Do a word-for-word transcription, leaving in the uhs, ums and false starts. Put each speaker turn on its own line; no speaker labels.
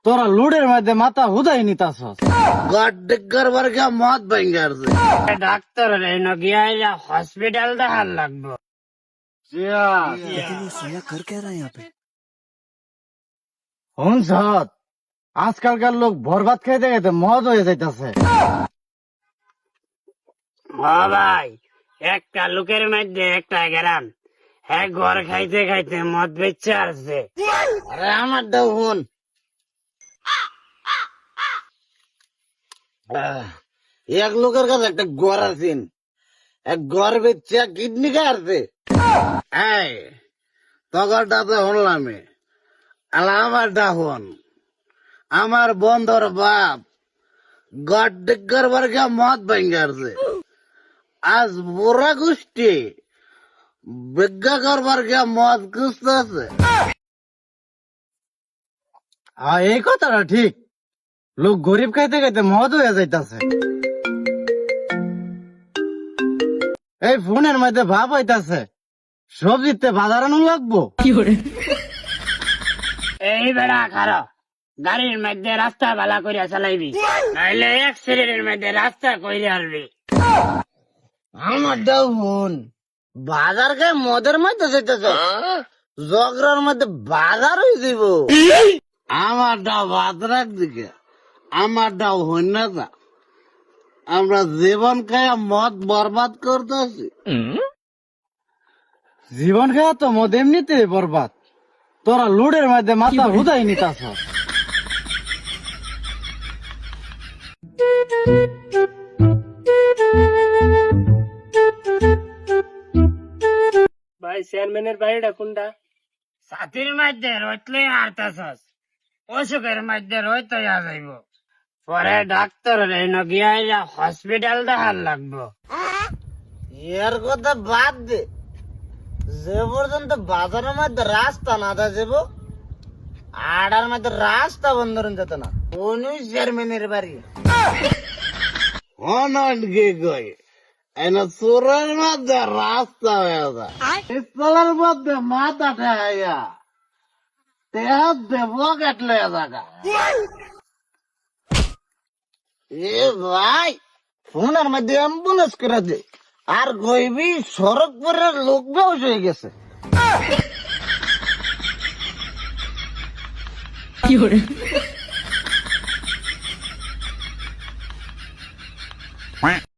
তোরা লুডের মধ্যে মাথা হুদাই নিতাস
গড্ডিগার বর্গে মদ ভেঙ্গার
ডাক্তার গিয়া হসপিটাল দেখার লাগবো।
শুনছত আজকালকার লোক বরবাদ খাইতে খাইতে মদ হয়ে যাইতাছে।
ও ভাই, একটা লোকের মধ্যে একটা গেরাম হ্যাঁ ঘর খাইতে খাইতে মদ বেচে আসছে।
আরে আমার দাও হন এক লোকের কাছে একটা গড় আছেন, এক গড় বেচছে কিডনি কাটছে। এই তগরটা তো হলাম আলা আমার ডাহন আমার বন্ধর বাপ গড্ডিগার বর্গে মদ ভেঙ্গারছে। আজ বুড়া গোষ্ঠী বিজ্ঞা করবার গিয়া মদ খুঁজতেছে।
হ্যাঁ, এই কথাটা ঠিক। লোক গরিব খাইতে খাইতে মদ হয়ে যাইতাছে। এই ফোনের মধ্যে ভাব হইতাছে সবজিতে বাজার আনো লাগবো।
এই বেড়া খারো, গাড়ির মধ্যে রাস্তা ভালা করিয়া চালাইবি, নাইলে অ্যাক্সিডেন্টের মধ্যে রাস্তা কইরে আসবি।
আমার দাও হন বাজার খায় মদের মধ্যে যেতেছ, জগরার মধ্যে বাজার হয়ে যাব। আমার ডাও বাজার দিকে আমার ডাও হন না যা, আমরা জীবন খায় মদ বরবাদ করতেছি।
জীবন খাওয়া তো মদ এমনিতে বরবাদ, তোরা লুডের মধ্যে মাথা হুদাই নিতাস।
ভাই চেয়ারম্যানের বাড়িটা কোনটা? ছাতির মধ্যে রইতলে হারতাছস, অসুখের মধ্যে রইতে যাইব, পরে ডাক্তার গিয়া হসপিটাল দেখার লাগবো।
এর কথা বাদ দে, যে পর্যন্ত বাজারের মধ্যে রাস্তা না দা যাব আড়ার মধ্যে রাস্তা বন্ধ যেত না। কোন চেয়ারম্যানের বাড়ি অনট গে গই এনা চোরের মধ্যে রাস্তা হয়ে যায়, স্থলের মধ্যে মাথা ঠেয়া তেহাত দেব কাটলে জায়গা। এ ভাই ফোনের মধ্যে অ্যাম্বুলেন্স করে দে, আর কইবি সড়ক পরে লোক বেউস হয়ে গেছে।